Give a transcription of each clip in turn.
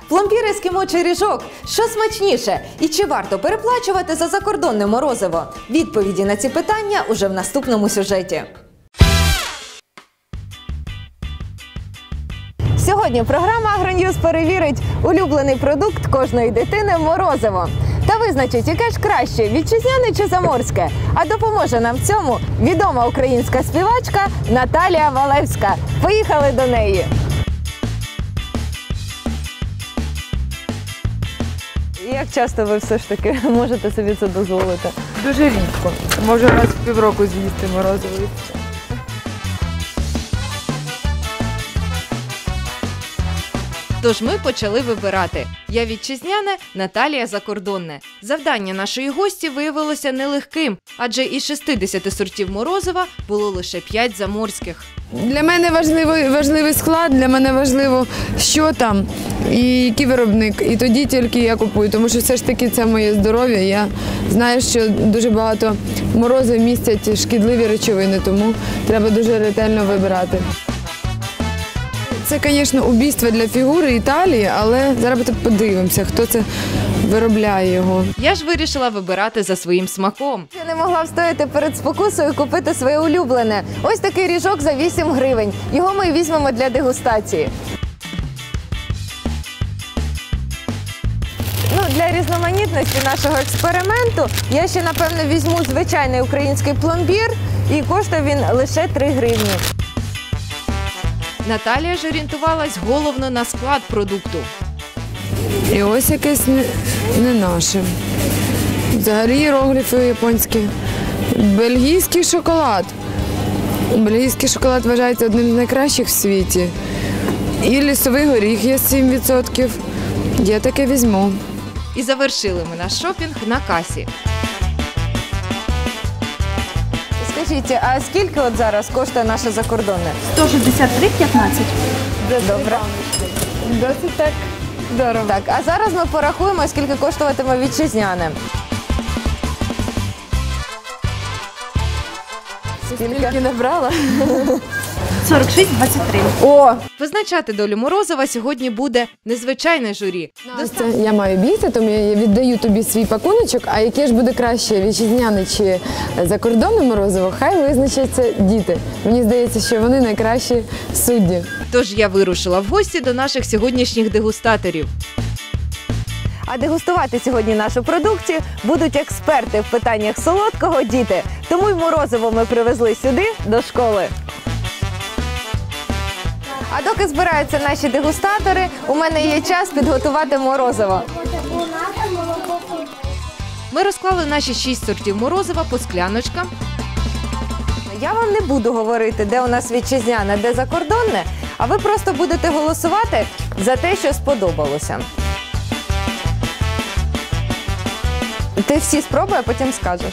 Пломбір ескімо чи ріжок? Що смачніше? І чи варто переплачувати за закордонне морозиво? Відповіді на ці питання уже в наступному сюжеті. Сьогодні програма «Агроньюз» перевірить улюблений продукт кожної дитини – морозиво. Та визначить, яке ж краще – вітчизняне чи заморське. А допоможе нам в цьому відома українська співачка Наталія Валевська. Поїхали до неї! Як часто ви все ж таки можете собі це дозволити? Дуже рідко. Може раз в півроку з'їсти морозиво. Тож ми почали вибирати. Я вітчизняне, Наталія закордонне. Завдання нашої гості виявилося нелегким, адже із 60 сортів морозива було лише 5 заморських. Для мене важливий склад, для мене важливо, що там і який виробник. І тоді тільки я купую, тому що все ж таки це моє здоров'я. Я знаю, що дуже багато морозив містять шкідливі речовини, тому треба дуже ретельно вибирати. Це, звісно, убійство для фігури Італії, але зараз подивимося, хто це виробляє його. Я ж вирішила вибирати за своїм смаком. Я не могла встояти перед спокусою купити своє улюблене. Ось такий ріжок за 8 гривень. Його ми візьмемо для дегустації. Для різноманітності нашого експерименту я ще, напевно, візьму звичайний український пломбір, і коштує він лише 3 гривні. Наталія ж орієнтувалась головно на склад продукту. І ось якесь не наше. Взагалі іерогліфи японські. Бельгійський шоколад. Бельгійський шоколад вважається одним з найкращих в світі. І лісовий горіх є 7%. Я таке візьму. І завершили ми наш шопінг на касі. Скажіть, а скільки от зараз коштує наше закордонне? 163,15. Добре. Досить так дорого. Так, а зараз ми порахуємо, скільки коштуватиме вітчизняне. Скільки набрала? 46,23. О! Визначати долю морозива сьогодні буде незвичайне журі. Я маю бійти, тому я віддаю тобі свій пакуночок, а яке ж буде краще, вітчизняне чи закордонне морозиво, хай визначаться діти. Мені здається, що вони найкращі судді. Тож я вирушила в гості до наших сьогоднішніх дегустаторів. А дегустувати сьогодні нашу продукцію будуть експерти в питаннях солодкого – діти. Тому й морозиво ми привезли сюди, до школи. А доки збираються наші дегустатори, у мене є час підготувати морозиво. Ми розклали наші 6 сортів морозива по скляночкам. Я вам не буду говорити, де у нас вітчизняне, де закордонне, а ви просто будете голосувати за те, що сподобалося. Ти всі спробуй, а потім скажеш.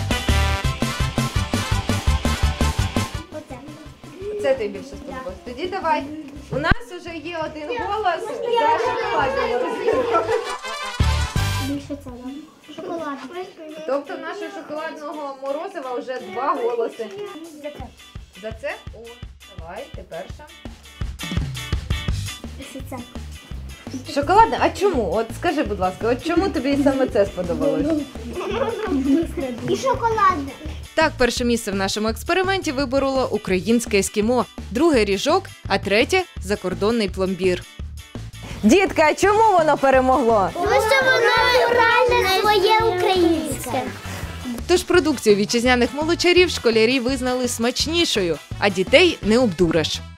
Це тобі більше сподобалось. Тоді давай. У нас вже є один голос за шоколадне морозиво. Більше це, шоколад. Тобто в нашого шоколадного морозива вже 2 голоси. За це? О, давай, ти перша. Це. Шоколадне? А чому? От скажи, будь ласка, от чому тобі саме це сподобалось? І шоколадне. Так, перше місце в нашому експерименті вибороло українське ескімо, друге – ріжок, а третє – закордонний пломбір. Дітки, а чому воно перемогло? Тому що воно натуральне, своє українське. Тож продукцію вітчизняних молочарів школярі визнали смачнішою, а дітей не обдуриш.